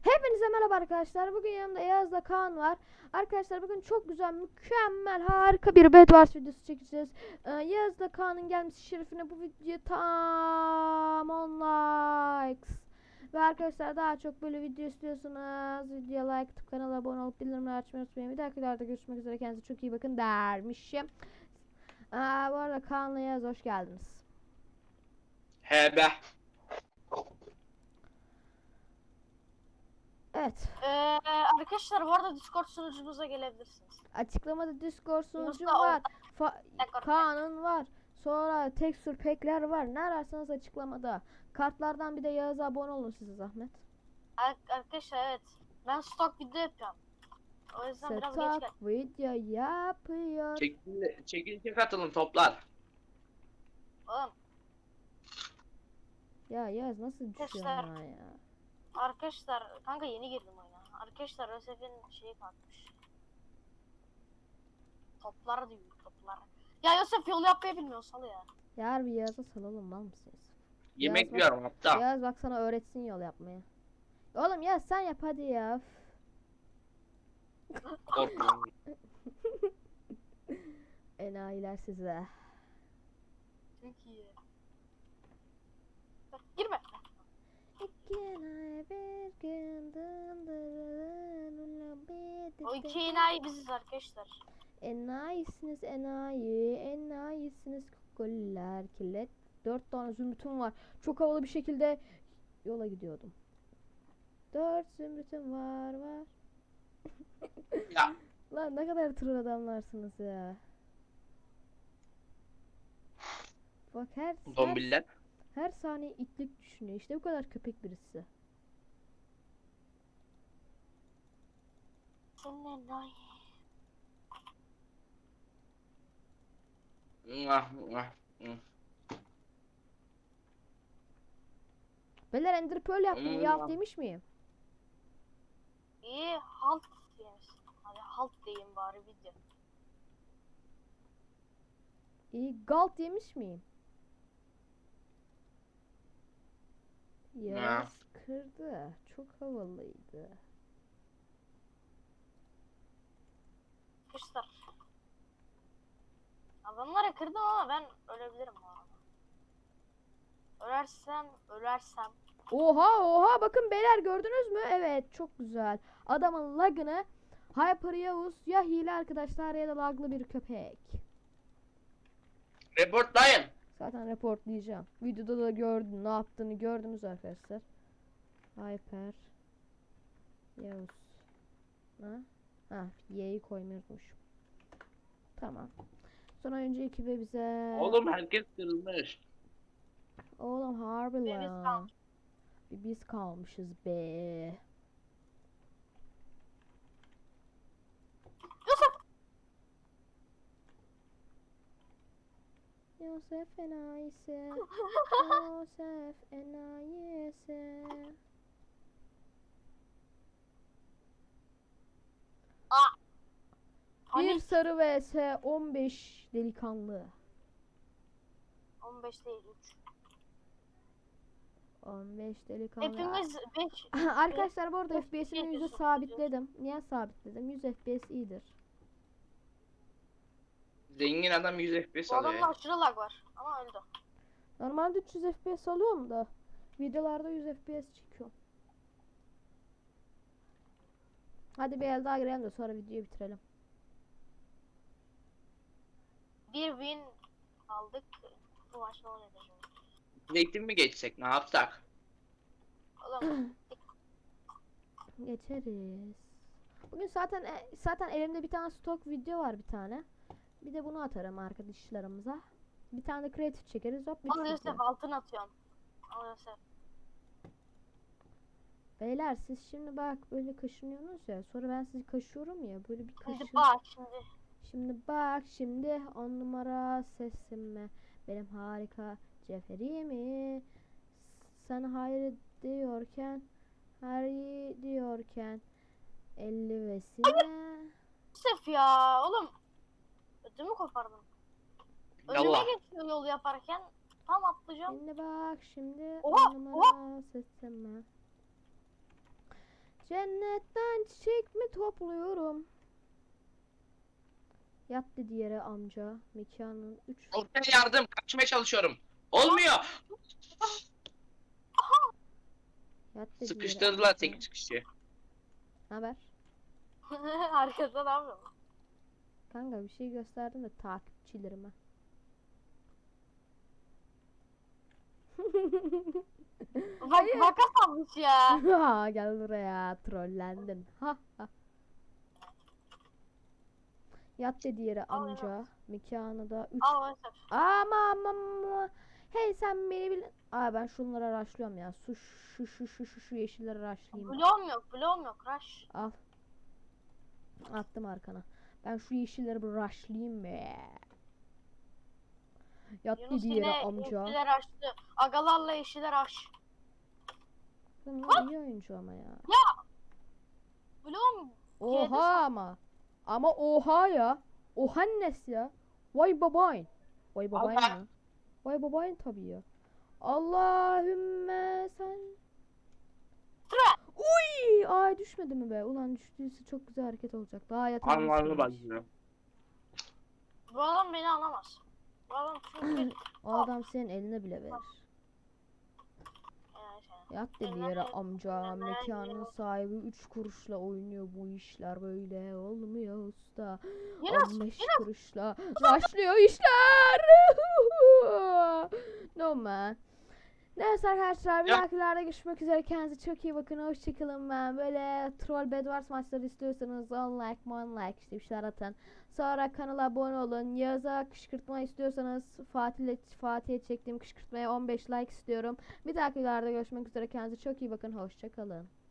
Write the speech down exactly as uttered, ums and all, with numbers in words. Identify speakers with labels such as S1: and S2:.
S1: Hepinize merhaba arkadaşlar. Bugün yanımda Yağız'la Kaan var. Arkadaşlar bugün çok güzel, mükemmel, harika bir Bedwars videosu çekeceğiz. Ee, Yağız'la Kaan'ın gelmesi şerefine bu video tam on likes. Ve arkadaşlar daha çok böyle video istiyorsanız videoya like atıp kanala abone olup bildirimleri açmayı unutmayın. Bir dahaki videoda görüşmek üzere. Kendinize çok iyi bakın dermişim. Ee, bu arada Kaan'la Yağız hoş geldiniz.
S2: He be.
S1: Evet.
S3: Ee, arkadaşlar bu arada Discord sunucumuza gelebilirsiniz.
S1: Açıklamada Discord sunucum
S3: Mustafa,
S1: var. Fa-
S3: Discord.
S1: Kaan'ın var. Sonra tekstür pekler var. Ne ararsanız açıklamada. Kartlardan bir de Yağız'a abone olun size zahmet.
S3: Ar- arkadaşlar evet. Ben stok video yapıyorum. O yüzden biraz geç
S1: Setup
S3: geldim.
S1: video yapıyor.
S2: Çekil, çekilişe katılın toplar.
S3: Oğlum
S1: Ya Yağız nasıl düşüyor
S3: Arkadaşlar.
S1: ya ya?
S3: arkadaşlar kanka yeni girdim oyuna. Arkadaşlar Yosef'in şeyi kalkmış. Toplar diyor toplar. Ya Yosef yol yapmayı bilmiyor salı ya.
S1: Ya harbi Yağız'a salalım mal mısınız?
S2: Yemek
S1: Yağız bak-
S2: yiyorum hatta.
S1: Yağız bak sana öğretsin yol yapmayı. Oğlum ya sen yap hadi ya.
S2: Korkmayın.
S1: Enayiler size.
S3: Çok iyi. Bak, girme.
S1: İki ay bir gün dındırın
S3: O iki enayi biziz arkadaşlar.
S1: Enayisiniz enayi, enayisiniz kukuller, killet. Dört tane zümrütüm var. Çok havalı bir şekilde yola gidiyordum. Dört zümrütüm var var.
S2: Ya
S1: Lan ne kadar tır adamlarsınız ya. Bak her, her,
S2: zombiler.
S1: her saniye itlik düşünüyor. İşte bu kadar köpek birisi.
S3: Senin enayi.
S2: Mwah, mwah, mwah.
S1: Beyler Ender Pearl yaptım. İyi
S2: Hmm.
S1: alt demiş miyim?
S3: İyi halt demişsin. Hadi halt diyeyim bari video.
S1: İyi galt yemiş miyim? Yağız kırdı. Çok havalıydı.
S3: Arkadaşlar. Adamları kırdım ama ben ölebilirim bu arada. Ölersem, ölersem.
S1: Oha oha bakın beyler gördünüz mü? Evet çok güzel. Adamın lagını Hyper Yavuz ya hile arkadaşlar ya da laglı bir köpek.
S2: Reportlayın.
S1: Zaten reportlayacağım. Videoda da gördün ne yaptığını gördünüz arkadaşlar. Hyper Yavuz. Ha? Ha Y'yi koymayı unutmuşum. Tamam. Sonra önce ekibe bize...
S2: Oğlum herkes kırılmış.
S1: Oğlum harbi
S3: Bir biz
S1: lan.
S3: kalmış.
S1: Bir biz kalmışız be.
S3: Yusuf!
S1: Yosef enayisi. Yosef enayisi. Bir
S3: Panik.
S1: sarı vs on beş delikanlı.
S3: on beş değil üç.
S1: on beş delikanlı.
S3: Hepimiz beş.
S1: Arkadaşlar bu arada
S3: Of,
S1: F P S'ini
S3: yedi
S1: yüze
S3: son
S1: sabitledim. Niye sabitledim? yüz F P S iyidir.
S2: Zengin adam yüz F P S
S3: Bu
S2: alıyor.
S3: adamda aşırı lag var. Ama öldü.
S1: Normalde üç yüz F P S alıyorum da videolarda yüz F P S çekiyorum. Hadi bir el daha girelim de sonra videoyu bitirelim.
S3: Bir win aldık. Bu maç ne oluyor şimdi?
S2: Zeytin mi geçsek ne yapsak?
S3: Oğlum
S1: Geçeriz. Bugün zaten e, zaten elimde bir tane stok video var bir tane. Bir de bunu atarım arkadaşlarımıza. Bir tane de creative çekeriz hop
S3: al
S1: bitsin.
S3: Yosef altın atıyorum. Al Yosef.
S1: Beyler siz şimdi bak böyle kaşınıyorsunuz ya. Sonra ben sizi kaşıyorum ya. Böyle bir
S3: Şimdi
S1: kaşın.
S3: bak şimdi.
S1: Şimdi bak şimdi on numara sesime. Benim harika Ceferimi. Sen hayır diyorken. Hayır diyorken. elli vesine.
S3: Yosef ya oğlum. Ödümü kopardım.
S2: Yallah.
S3: Önüme geçiyor yol yaparken. Tam atlayacağım.
S1: Şimdi bak şimdi
S3: Oha,
S1: on numara sesime. Cennetten çiçek mi topluyorum? Yat dedi yere amca. Mekanın üç.
S2: Ortaya yardım. Kaçmaya çalışıyorum. Olmuyor.
S1: Yat dedi
S2: Sıkıştırdılar
S1: yere
S2: tek
S1: amca.
S2: çıkışı.
S1: Haber?
S3: Arkada ne yapıyorsun?
S1: Kanka bir şey gösterdim de takipçilerime.
S3: Bak makas almış ya.
S1: Ha, gel buraya trollendin. Ha ha. Yat dedi yere
S3: Al
S1: amca. Mekanı da üç.
S3: Al Mesut.
S1: Ama ama ama. Hey sen beni bil. Aa ben şunları araştırıyorum ya. Su şu şu şu şu şu yeşilleri araştırayım.
S3: Bloğum yok, bloğum yok. Rush.
S1: Al. Attım arkana. Ben şu yeşilleri bir rushlayayım be. Yat
S3: Yunus
S1: dedi
S3: yine
S1: yere amca.
S3: yeşiller açtı. Agalarla yeşiller aç.
S1: Bunlar iyi oyuncu ama ya.
S3: Bloğum
S1: Oha ama. Ama oha ya. Ohannes ya. Vay babayın. Vay babayın
S2: Allah.
S1: ya. Vay babayın tabii ya. Allahümme sen. Uy! Ay düşmedi mi be? Ulan düştüyse çok güzel hareket olacak. Daha yatağa
S2: Anlarını
S1: düşmemiş.
S2: bakıyorum.
S3: bu adam beni alamaz. Bu adam çünkü
S1: O adam senin eline bile verir.
S3: yani şey.
S1: Yat dedi yere amca. Mekanın sahibi üç kuruşla oynuyor bu işler böyle olmuyor usta.
S3: Yunus,
S1: on beş kuruşla başlıyor işler. No man. Neyse arkadaşlar bir
S2: Ya.
S1: dahakilerde görüşmek üzere. Kendinize çok iyi bakın. Hoşçakalın ben. Böyle troll Bedwars maçları istiyorsanız on like, mon like işte bir şeyler atın. Sonra kanala abone olun. Yağız'a kışkırtma istiyorsanız Fatih'le Fatih'e çektiğim kışkırtmaya on beş like istiyorum. Bir dahakilerde görüşmek üzere. Kendinize çok iyi bakın. Hoşçakalın.